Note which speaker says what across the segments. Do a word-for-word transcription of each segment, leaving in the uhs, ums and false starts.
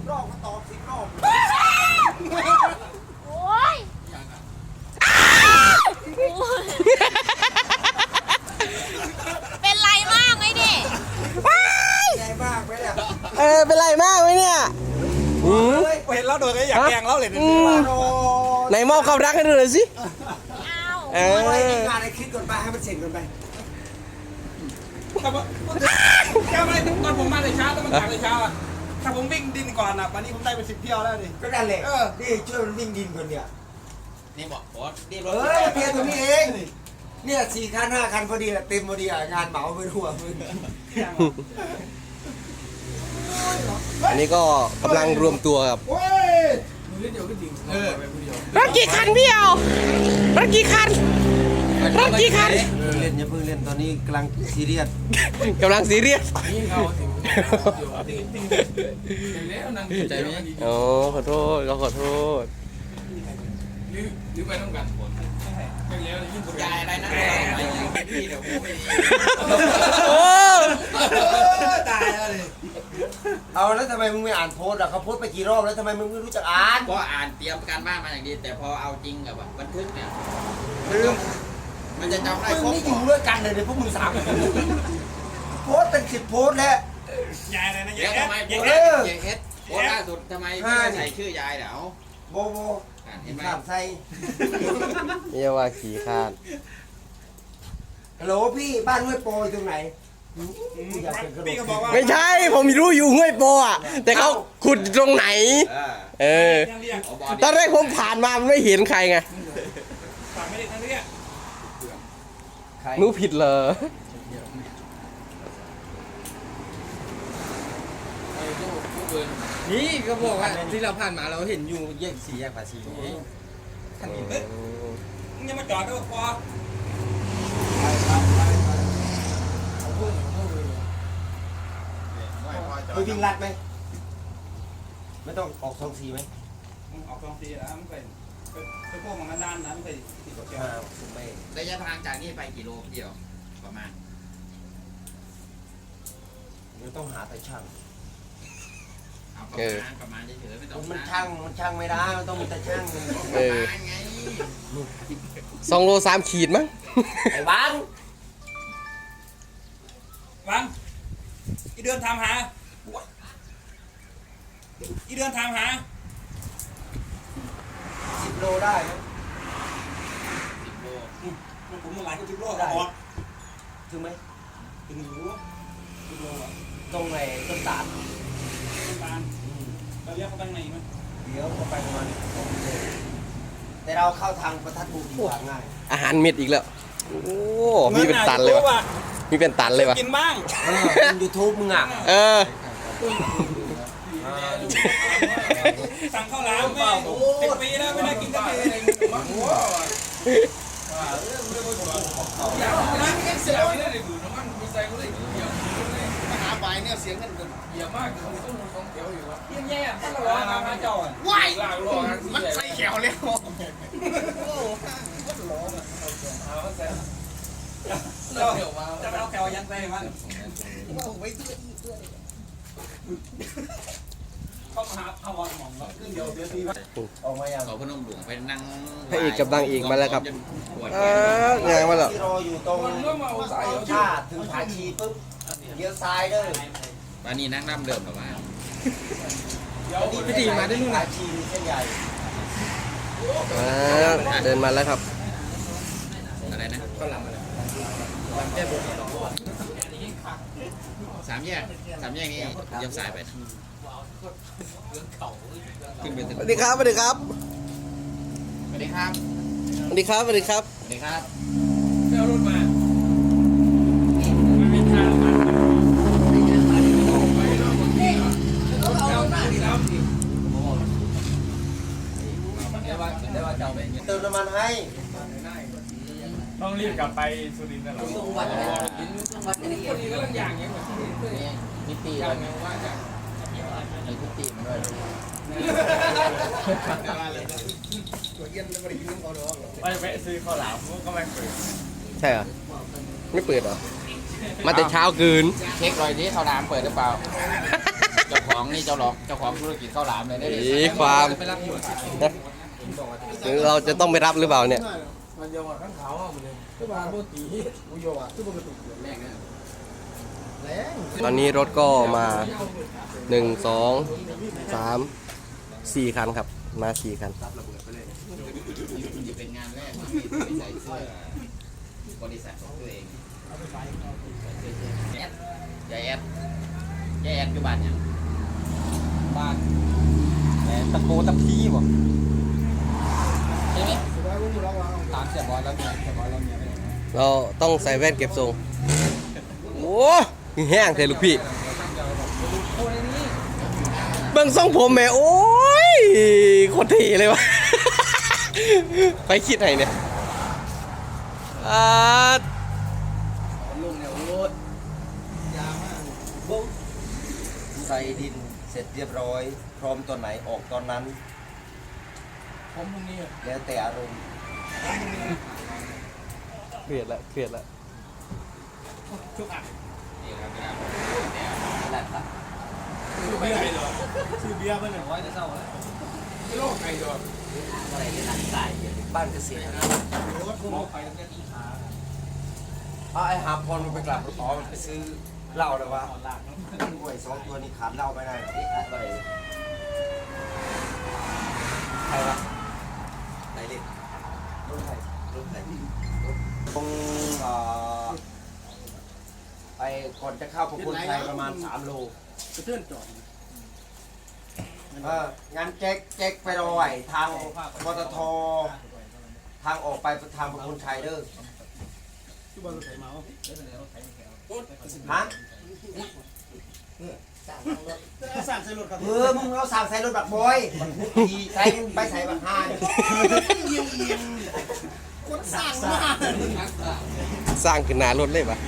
Speaker 1: รอบก็ตอบสิบรอบ
Speaker 2: โอ้ยเป็นไรมากไหมดิ
Speaker 1: ใหญ่มากไหมเนี่ย
Speaker 3: เออเป็นไรมากไหมเนี่ยอืม
Speaker 4: เห็นแล้วโดนก็อยากแกงแล้วเลย
Speaker 3: อืมไหนมอบความรักให้ดูหน่อยสิ
Speaker 2: เอา
Speaker 3: เอ
Speaker 1: ไป
Speaker 3: อ
Speaker 1: งานในคลิปก่อนไปให้มันเสร็จก่อนไป
Speaker 4: ถ้าผมแค่ไม่ตอนผมมาในเช้าต้องมาจากในเช้าอ่ะถ้าผมวิ่งดินก่อนอ่ะวันนี้ผมได้ไปสิบเที่ยวแล้วดิ
Speaker 1: ก็นั่นแหละนี่ช่วยมันวิ่งดินก่อนเนี่ย
Speaker 4: นี่บอกโอ๊ตนี่ร
Speaker 1: เฮ้
Speaker 4: ถ
Speaker 1: ยเพียงตรงนี้เองเนี่ยสี่คันห้าคันพอดีอะเต็มพอดีอะงานเหมาไปทั่วมึง
Speaker 3: อันนี้ก็กำลังรวมตัวกับ
Speaker 1: โอ้ย
Speaker 4: เออ
Speaker 3: รถกี่คันพี่เอารถกี่คันรถกี่คัน
Speaker 1: เล่นอย่าเพิ่งเล่นตอนนี้กำลังซีเรียส
Speaker 3: กำลังซีเรียส
Speaker 4: ใจไหม
Speaker 3: โอ้ขอโทษก็ขอโทษ
Speaker 4: หรือไปต้องกันผลยายอะไรนะพี่เดี๋ยวพูดไม่ดี
Speaker 3: โอ้
Speaker 4: ตายแล้วดิ
Speaker 1: เอาแล้วทำไมมึงไม่อ่านโพสต์อะเขาโพสต์ไปกี่รอบแล้วทำไมมึงไม่รู้จักอ่าน
Speaker 5: ก็อ่านเตรียมการบ้านมาอย่างดีแต่พอเอาจริงกับบันทึกเนี่ย
Speaker 1: ลืม
Speaker 5: มันจะจำได้
Speaker 1: มึง
Speaker 5: ครบ
Speaker 1: นี่อยู่ด้วยกันเลยเดี๋ยวพวกมึงสามคนโพสต์เป็นสิบโพสต์แล้ว
Speaker 4: ยายอะไรนะ
Speaker 5: แล้ว
Speaker 4: ยาย
Speaker 5: ทำไม
Speaker 4: เอ
Speaker 5: โพ
Speaker 4: ส
Speaker 5: ส
Speaker 4: เอ
Speaker 5: ต์
Speaker 4: ส
Speaker 5: เยเอสโพสต์ล่าสุดทำไมไม่ใส่ชื่อยายเดี๋ยว
Speaker 1: โบโบ
Speaker 5: อ่านเห็นไหม
Speaker 1: ข้ามไส้
Speaker 3: นี่ว่าขี่คาด
Speaker 1: ฮัลโหลพี่บ้านห้วยโปรอยู่ตรงไหนอยากเป็นกระโด
Speaker 4: พี่ก็
Speaker 1: ด
Speaker 4: บอกว่า
Speaker 3: ไม่ใช่ผมรู้อยู่ห้วยโปอ่ะแต่เขาขุดตรงไหน
Speaker 5: เออ
Speaker 3: เออ
Speaker 4: ยังเรียก
Speaker 5: เอาบอ
Speaker 3: ตอนแรกผมผ่านมาไม่เห็นใครไง
Speaker 4: ฝากไม่ได้ยังเรียก
Speaker 3: หนูผิดเหรอ
Speaker 5: นี่ก็บอกว่าที่เราผ่านมาเราเห็นอยู่แยกสีแยกภาษีท่านเห็นไหม
Speaker 4: ยังมาจอดด้วยพอ
Speaker 1: เคยวิ่งลัดไหมไม่ต้องออกสองสีไหม
Speaker 4: ออกกองตีแล้วมันเป็นเป็นพวกมันด้านนั้นไปติดกับแก
Speaker 1: อ่าไม่
Speaker 5: ระยะทางจากนี่ไปกี่โลเดียวประมาณ
Speaker 1: ไม่ต้องหาแต่ช่าง
Speaker 5: เอาประมาณประมาณเฉยๆไม่ต้อง
Speaker 1: มันช่างมันช่างไม่ได้มันต้องมีแต่ช่าง
Speaker 3: เออ
Speaker 5: ประมาณไง
Speaker 3: สองโลสามขีดมั้ง
Speaker 1: ไอ้บ้าน
Speaker 4: วังอีเดือนทำหาอีเดือนทำหา
Speaker 1: สิบโลได้ไหม
Speaker 5: สิบโล
Speaker 4: มันผมมาหลายก็สิบโลออก
Speaker 1: ถึงไหม
Speaker 4: ถึงรู้สิบโลอ่ะ
Speaker 1: ตรงไหนต้นตาล
Speaker 4: ต้องการเราเรียกเขาไปไหนมั้ย
Speaker 1: เดี๋ยวเขาไปประมาณสองโลแต่เราเข้าทางประทัดบุกดีกว่าง่าย
Speaker 3: อาหารเม็ดอีกแล้ว โอ้ มีเป็นตันเลยวะมีเป็นตันเลยวะ
Speaker 4: กินบ้าง
Speaker 1: เออเป็นยูทูบมึงอ่ะ
Speaker 3: เออ
Speaker 4: สั่งข้าวหลามไม่สิบปีแล้วไม่ได้กินสักทีเสียไม่ได้เลยดูน้ำมันมีใส่ก็เลยเดียวหาใบเนี่ยเสียงกันเยอะมากต้องต้องเขียวอยู่วะเยี่ยมแย่ถ้าเราล้อมามาจอดว้ายมันใส่เขียวแล้วจะเอาแก้วยันใส่มันเข้ามาหาพาวอนหม่องแล้วขึ้นเดียวเสียที
Speaker 1: ออกมาอย่าง
Speaker 5: เขาพนมหลวงไปนั่ง
Speaker 3: พระเอกกับนางเอกมาแล้วครับ
Speaker 5: ปวด
Speaker 3: เอองานมาแล้ว
Speaker 1: ที่รออยู่ตรงท่าถึงผาชีปุ๊บเลี้ยวซ้ายเด้อ
Speaker 5: วันนี้นั่งน้ำเดิมแบบว่า
Speaker 1: พี่ตีมาได้นู่นผาชีเส้นใหญ่
Speaker 3: อ่าเดินมาแล้วครับ
Speaker 5: อะไรนะสามแยกสามแยกนี้เลี้ยวซ้ายไปนะขึ้นไปถึง
Speaker 3: สวัสดีครับ สวัสดีครับ
Speaker 5: สวัสดีครับ
Speaker 3: สวัสดีครับ สวัสดีครับ
Speaker 5: สวัสดีครับ
Speaker 4: ไปเอารถมามันเป็นทางมาเอาหน้าดิครับ
Speaker 5: ได้ว่าได้ว่าจะเอาไปเงี้ย
Speaker 1: เติมน้ำมันให้
Speaker 4: ต้องรีบกลับไปสุรินทร์นะหรอ
Speaker 5: จังหวัดอะไรจังหวัดอะไร
Speaker 4: คนนี้ก็ต้องอย่างเงี้ย
Speaker 5: นี่นิตีด้วยมีนิตีมาด้วย
Speaker 4: ไปแวะซื้อข้าวหลามก็ไม่เปิด
Speaker 3: ใช่เหรอ ไม่เปิดเหรอ มาแต่เช้าเกิน
Speaker 5: เช็ครอยนี้เขาน้ำเปิดหรือเปล่าเจ้าของ
Speaker 4: ของนี่เจ้าหลอกเจ้าของธุรกิจข้าวหลามเลยได้
Speaker 3: อีความเราจะต้องไปรับหรือเปล่าเนี่ย
Speaker 4: มันจะว่าข้างขาวเอาไปเลยก็มาโมตีอุโยอ่ะที่ปกติแรงนะแรง
Speaker 3: ตอนนี้รถก็มาหนึ่งสองสามสี่คันครับ มาสี่คัน
Speaker 4: เป็นงานแรกที่ใส่เสื้อบริษัทของตัวเองแอดยายแอดยายแอดอยู่บ้านยังบ้านแต่ตะโกตะพีบ่ใช่ไหมตามเสียบอลแล้วเนี่ยเสียบอลแล้วเนี่ย
Speaker 3: เราต้องใส่แว่นเก็บทรงโอ้แห้งเทลูกพี่เบิ่งทรงผมแม่โอ้ยโคตรเท่เลยวะ ไปคิดไหนเนี่ยอ่า
Speaker 5: ลุงเนี่ยโอ้ยยาวมากบุ๊ใส่ดินเสร็จเรียบร้อย พร้อมตอนไหนออกตอนนั้น
Speaker 4: ผมพรุ่งนี้
Speaker 5: แล้วแต่อารมณ์
Speaker 3: เครียดละเครียดละ
Speaker 4: นี่ครับ
Speaker 5: แหละครับ
Speaker 4: ชื่อเบียร์เหรอชื่อเบียร์มันหนึ่งร้อยจะเศร้าแล้วไม่โลกไก่เหรอ
Speaker 5: อะไรในหนังสายบ้านเกษตร
Speaker 4: รถมองไปตั้งแต่ตีขา
Speaker 5: เอาไอ้หาพรมันไปกลับอ๋อมันไปซื้อเหล้าเลยวะหวยสองตัวนี้ขาดเหล้าไม่ได้อะไรใครวะไหนเล็กรถใครรถใครตรงเอ่อไปก่อนจะเข้าพระคุณชัยประมาณสามโล
Speaker 4: กระเทือนจอด
Speaker 5: เอองานแจ็คแจ็คไปรอยทางปตททางออกไปทางพระคุณชัยเด้อ
Speaker 4: ที่บอลรถไถเมา
Speaker 5: ฮะ
Speaker 4: สั่งใส่รถครับ
Speaker 5: เออมึงเอาสั่งใส่รถบักบอยขี่ใส่ไปใส่บักฮาน
Speaker 4: คนสั่งมาก
Speaker 3: สร้างขึ้นหนารถเลยปะ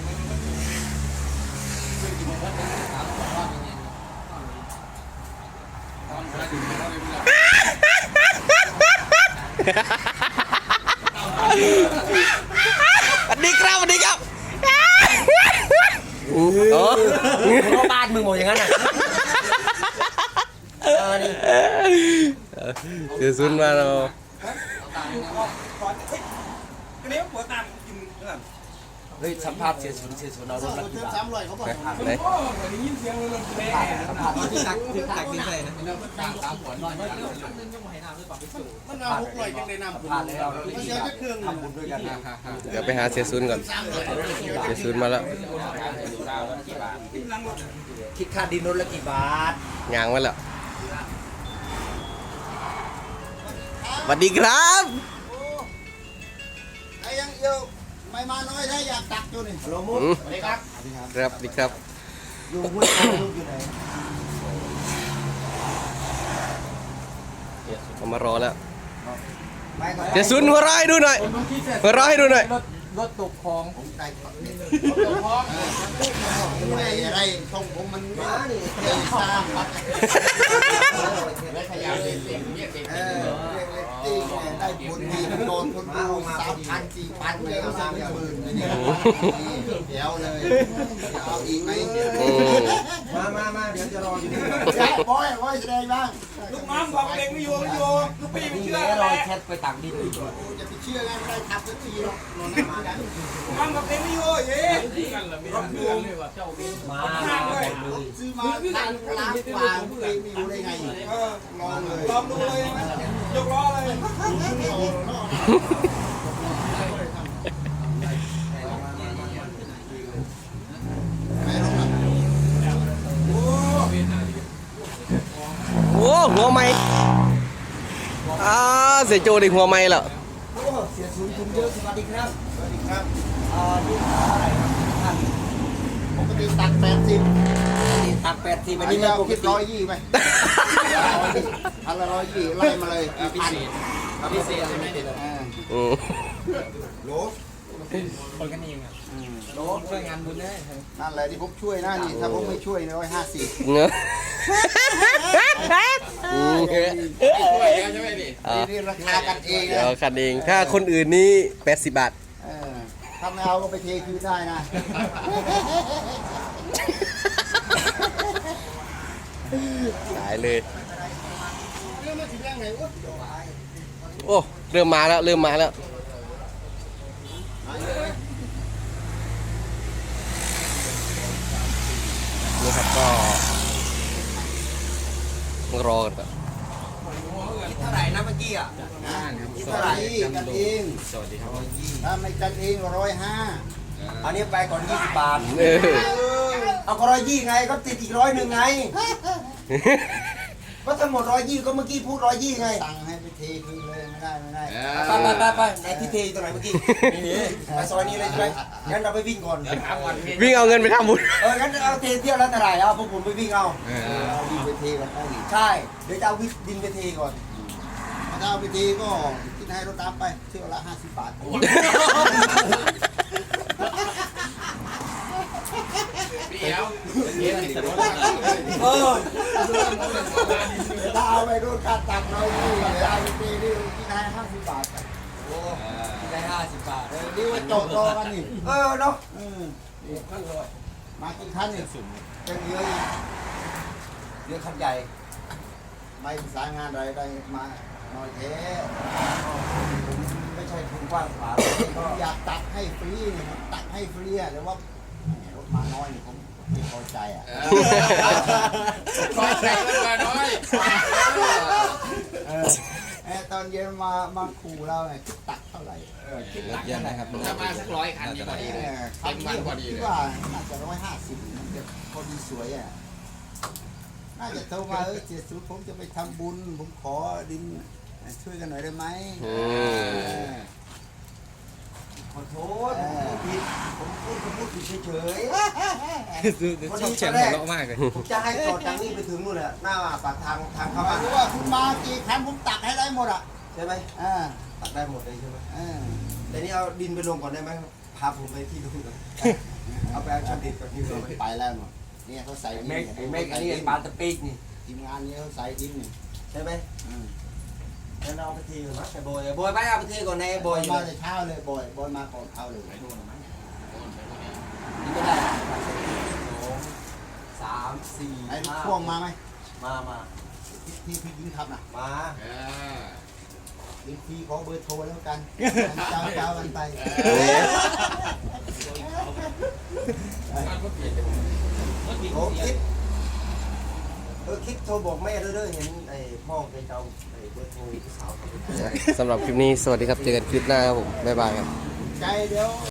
Speaker 3: สวัสดีครับสวัสดีครับโอ้
Speaker 5: เพราะบ้านมึงหมดอย่างนั้นอ่ะเออนี่
Speaker 3: เสียซุนมาเรา
Speaker 4: เลี้ยวหัวตามกินเรื่อง
Speaker 5: เฮ้ยสัมภาษณ์เสียศูนย์เสียศูนย์เอารถมากี่บาท
Speaker 4: สามร้อยเขาบอก
Speaker 3: ไหน
Speaker 4: โอ้ยยินเสียงรถแม่
Speaker 5: สัมภาษณ์ที่ตักที่ตักดินเลยนะ
Speaker 4: มันเอาหกร้อยจังได้นำ
Speaker 5: สัมภาษณ์แล้วเราได้ทำบุญด้วยกันนะ
Speaker 3: เดี๋ยวไปหาเสียซุนก่อน เสียซุนมาแล้ว
Speaker 5: คิดค่าดินรถละกี่บาท
Speaker 3: ยางมาแล้วสวัสดีครับ
Speaker 4: ไอ้ยังเยอะไม่มาน้อยถ้าอยากตักอยู่นี่
Speaker 5: ฮัลโหลมุก
Speaker 3: อืม
Speaker 5: สวัสดีครับ
Speaker 3: ครับดีครับ
Speaker 5: อยู่ห้วยขาวลูกอยู่ไหน
Speaker 3: เอามารอแล้ว
Speaker 5: ไปก่อน
Speaker 3: เสียซุนหัวเร้อยดูหน่อยหัวเร้อยดูหน่อย
Speaker 4: รถรถตกคลอง
Speaker 5: ผมได้ก่อนเนี่ย
Speaker 4: รถตกคลอง
Speaker 5: อะไรอะไรตรงผมมันมานี่เองสร้างครับพยายามเล่นเล่นเรียกเด็กเออเรียกเด็กได้บุญดีโดนคนดูสามพันสี่พันเลยเอาสามหมื่นเลยเนี่ยเดี๋ยวเลยเอาอีกไหมมามามาเดี๋ยวจะรออยู่นี่บอยบอยแสดงบ้าง
Speaker 4: ลูกน้องบอกเองไม่อยู่ไม่อยู่ลูกพี่ไม่
Speaker 5: นี่
Speaker 4: เชื่อ
Speaker 5: แหละ
Speaker 4: แห
Speaker 5: รอ
Speaker 4: ละ
Speaker 5: แชทไปตักดิน
Speaker 4: จะไปเชื่อไงไม่ได้ทับสักทีหรอกนอนมากันลูกน้องบอกเองไม่อยู่เย้กันเหรอไม่รู้เรื่องเลยว่ะเจ้าเอง
Speaker 5: มามาหมดเลย
Speaker 4: ซื้อมาทานล้างวางเองไม่อยู่ได้ไงเออลองเลยลองดูเลยยกล้อเลยโอ้
Speaker 3: โอ้หัวไม้อ่าเสียโจดิหัวไม้แล้ว
Speaker 5: โอ้เสียศูนย์คุณเยอะสวัสดีครับสวัสดีครับอ่านี่เท่าไหร่ครับท่าน
Speaker 4: ปกติตักแปดสิบ
Speaker 5: นี่ตักแปดสิบ
Speaker 4: อั
Speaker 5: อั
Speaker 4: น
Speaker 5: น
Speaker 4: นี้
Speaker 5: นี้
Speaker 4: เรา
Speaker 5: ไม่ปก
Speaker 4: คิด
Speaker 5: ติ
Speaker 4: ร้อยยี่ไปอันละร้อยยี่ไล่มาเลยพิเศษพิเศษใช่ไหมเด็ด
Speaker 3: อืม
Speaker 5: โหล
Speaker 4: คนกันเองอ่ะ
Speaker 5: โหลช่วยงานบุญได้
Speaker 4: นั่นแหละที่ผมช่วยนะนี่ถ้าผมไม่ช่วยร้อยห้าสิบ
Speaker 3: เนอะอืม
Speaker 4: ช่วยใช่ไหมดิ
Speaker 3: อ่า
Speaker 5: นี่ราคากันเอง
Speaker 3: เดี๋ยว
Speaker 5: นะ
Speaker 3: คันเอง ถ้าคนอื่นนี่แปดสิบบาท
Speaker 4: เออถ้าไม่เอาก็ไปเทคืนได้นะ
Speaker 3: ขายเลยโอ้เริ่มมาแล้วเริ่มมาแล้วนี่ครับก็รอกันก่อน
Speaker 1: เท่าไหร่นะเมื่อกี้อ่ะ
Speaker 5: คิดเท่าไหร่กันเอง
Speaker 4: สวัสดีครับ
Speaker 5: ถ้าไม่กันเองร้อยห้า
Speaker 1: อันนี้ไปก่อนยี่สิบบาท
Speaker 3: เออ
Speaker 1: เอาก็ร้อยยี่ไงก็ติดอีกร้อยหนึ่งไง ก็ทั้งหมดร้อยยี่ก็เมื่อกี้พูดร้อยยี่ไง
Speaker 5: สั่งให้ไปเทคืนเลยไม่ได้ไม่ได้
Speaker 1: ไปไปไปไปไหนที่เทอยู่ตรงไหนเมื่อกี้นี่ไปซอยนี้เลยใช่ไหมงั้นเราไปวิ่งก่อน
Speaker 3: วิ่งเอาเงินไปทำบุญ
Speaker 1: เอองั้นเอาเทเที่ยวแล้วเท่าไหร่เอาพวกผมไปวิ่งเอา
Speaker 5: เอาดินไปเทกันได้ดิ
Speaker 1: ใช่เดี๋ยวจะเอาดินไปเทก่อน
Speaker 5: ถ้าเอาไปเทก็คิดให้รถตามไปเที่ยวละห้าสิบบาท
Speaker 4: พี่เอ๋วเย็นสนุก
Speaker 1: เออ
Speaker 5: ถ้าเอาไปรถค่าตักเราอยู่เวลาไปเทนี่คิดให้ห้าสิบบาท
Speaker 1: ได้ห้าสิบบาท
Speaker 5: เออนี่ว่าโจทย์รอกันนี่
Speaker 1: เออเนาะ
Speaker 5: เออมากี่คันเนี่ย
Speaker 1: จะเยอะอีกเยอะคันใหญ่
Speaker 5: ไม่สายงานอะไรได้มาหน่อยเท
Speaker 1: ไม่ใช่ทุนกว้างขวาง
Speaker 5: ผมอยากตักให้ฟรีเนี่ยผมตักให้ฟรีอะแต่ว่าแหมรถมาน้อยเนี่ยผมไม่พอใจอ่ะ
Speaker 4: คอยใจกันมาน้อย
Speaker 5: เออเออตอนเย็นมามาขู่เราไงคิดตักเท่าไหร่
Speaker 4: คิดเยอะนะครับถ้ามาสักร้อยคันนี่พอดีเลย
Speaker 5: เต็มวันพอดีเลยคิดว่าน่าจะร้อยห้าสิบมันจะพอดีสวยอ่ะน่าจะโทรมาเออเสียสุดผมจะไปทำบุญผมขอดินช่วยกันหน่อยได้ไหม
Speaker 3: อืม
Speaker 1: ขอโทษผมพูดผิดผมพูดผมพูดผิดเฉย
Speaker 4: ชอบเฉียงหัวเราะมากเลย
Speaker 1: ๆผมจะให้ต่อจากนี้ไปถึงนู่นแหละหน้าปากทางทางเข้า
Speaker 5: ไม่
Speaker 1: บ้าน
Speaker 5: รู้ว่าคุณมากี่คันผมตักให้ได้หมดอ่ะ
Speaker 1: ใช่ไหม
Speaker 5: อ่า
Speaker 1: ตัดได้หมดเลยใช่ไหม
Speaker 5: อ่า
Speaker 1: แต่นี่เอาดินไปลงก่อนได้ไหมพาผมไปที่นู่นก่อนเอาไปเอาช็อตดินก่อนที่นู่น
Speaker 5: ไปแล้วหมดเนี่ยเขาใส่
Speaker 1: ไอ้
Speaker 5: ดิน
Speaker 1: เมฆไอ้เมฆอันนี้ไอ้ปลาตะปีกนี่
Speaker 5: ทีมงานนี้เขาใส่ดินนี่
Speaker 1: ใช่ไหม
Speaker 5: อืม
Speaker 1: งั้นเอาไปทีก่อนนะไอ้บอยไอ้บอยไปเอาไปทีก่อนในไอ้บบ อ
Speaker 5: อย ยมาแต่เช้าเลยบอยบอยมาก่อนเขาเลย
Speaker 1: นี่ไม่ได้สองสามสี่
Speaker 5: ไอ้
Speaker 1: ห้า
Speaker 5: ช่วงมาไหม
Speaker 1: มามา
Speaker 5: ที่ที่พี่ยิงขับน่ะ
Speaker 1: มา
Speaker 5: ยิงทีขอเบอร์โทรแล้วกันเจ้าเจ้ากันไป
Speaker 1: โอ้คิดเออคิดโทรบอกแม่เรื่อยๆเห็นไอ้พ่อแกจะเอาไอ้เบอร์โทรสาว
Speaker 3: สำหรับคลิปนี้สวัสดีครับ เจอกันคลิปหน้าครับผม บ๊ายบายครับ
Speaker 5: ใจเดี๋ยว